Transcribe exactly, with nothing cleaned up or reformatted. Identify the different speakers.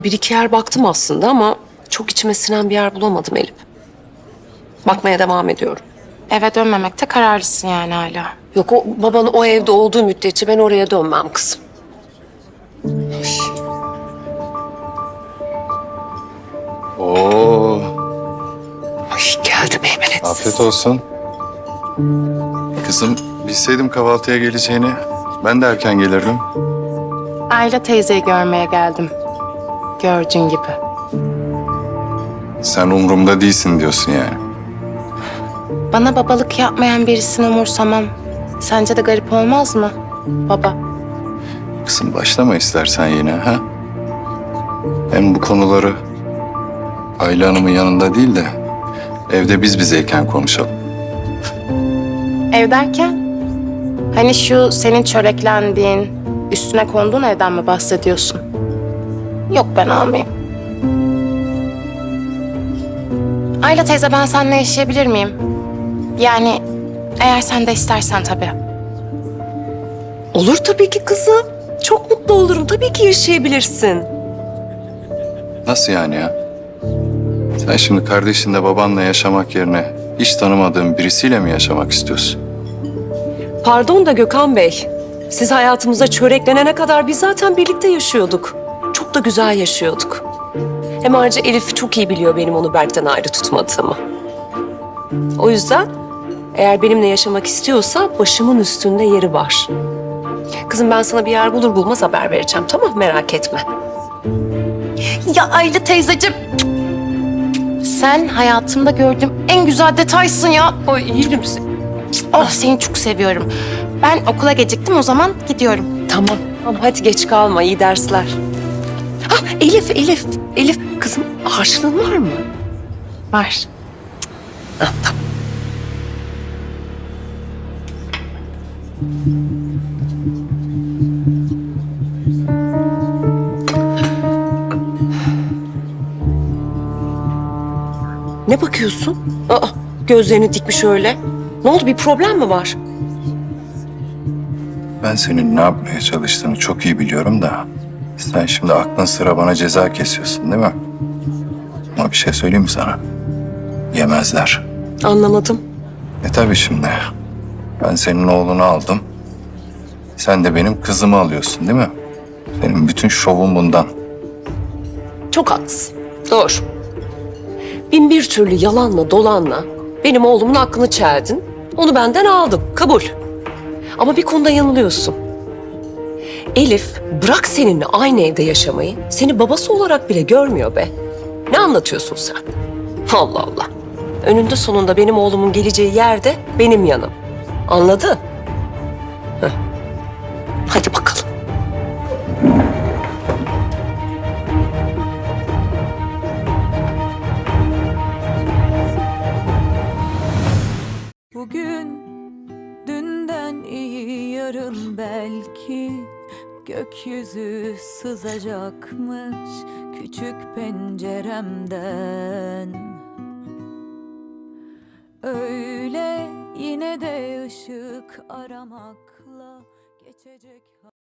Speaker 1: Bir iki yer baktım aslında ama çok içime sinen bir yer bulamadım Elif. Bakmaya devam ediyorum.
Speaker 2: Eve dönmemekte kararlısın yani hala.
Speaker 1: Yok, o baban o evde olduğu müddetçe ben oraya dönmem kızım.
Speaker 3: Oo,
Speaker 1: Ay geldi meymenetsiz.
Speaker 3: afiyet olsun. Kızım, bilseydim kahvaltıya geleceğini ben de erken gelirdim.
Speaker 2: Ayla teyzeyi görmeye geldim. Gördüğün gibi.
Speaker 3: Sen umurumda değilsin diyorsun yani.
Speaker 2: Bana babalık yapmayan birisini umursamam. Sence de garip olmaz mı baba?
Speaker 3: Kızım başlama istersen yine ha. Hem bu konuları Ayla Hanım'ın yanında değil de evde biz bizeyken konuşalım.
Speaker 2: Ev derken? Hani şu senin çöreklendiğin, üstüne konduğun evden mi bahsediyorsun? Yok, ben almayayım. Ayla teyze, ben seninle yaşayabilir miyim? Yani eğer sen de istersen tabii.
Speaker 1: Olur tabii ki kızım. Çok mutlu olurum. Tabii ki yaşayabilirsin.
Speaker 3: Nasıl yani ya? Sen şimdi kardeşinle babanla yaşamak yerine hiç tanımadığın birisiyle mi yaşamak istiyorsun?
Speaker 1: Pardon da Gökhan Bey. Siz hayatımıza çöreklenene kadar biz zaten birlikte yaşıyorduk. Çok da güzel yaşıyorduk. Hem ayrıca Elif çok iyi biliyor benim onu Berk'ten ayrı tutmadığımı. O yüzden eğer benimle yaşamak istiyorsa başımın üstünde yeri var. Kızım ben sana bir yer bulur bulmaz haber vereceğim, tamam mı? Merak etme.
Speaker 2: Ya Ayla teyzeciğim. Sen hayatımda gördüğüm en güzel detaysın ya.
Speaker 1: Ay iyiyim sen.
Speaker 2: Oh, seni çok seviyorum. Ben okula geciktim, o zaman gidiyorum.
Speaker 1: Tamam, tamam hadi geç kalma, iyi dersler. Ah Elif, Elif, Elif kızım harçlığın var mı?
Speaker 2: Var.
Speaker 1: Ah, tamam. Ne bakıyorsun? Aa, gözlerini dikmiş öyle. Ne oldu, bir problem mi var?
Speaker 3: Ben senin ne yapmaya çalıştığını çok iyi biliyorum da sen şimdi aklın sıra bana ceza kesiyorsun değil mi? Ama bir şey söyleyeyim mi sana? Yemezler.
Speaker 1: Anlamadım.
Speaker 3: E tabii şimdi. Ben senin oğlunu aldım. Sen de benim kızımı alıyorsun değil mi? Senin bütün şovun bundan.
Speaker 1: Çok haklısın. Doğru. Bin bir türlü yalanla dolanla benim oğlumun aklını çeldin. Onu benden aldın. Kabul. Ama bir konuda yanılıyorsun. Elif bırak seninle aynı evde yaşamayı, seni babası olarak bile görmüyor be. Ne anlatıyorsun sen? Allah Allah. Önünde sonunda benim oğlumun geleceği yerde benim yanım. Anladı? Heh. Hadi bakalım.
Speaker 4: Bugün dünden iyi, yarın belki gökyüzü sızacakmış küçük penceremden. Öyle yine de ışık aramakla geçecek.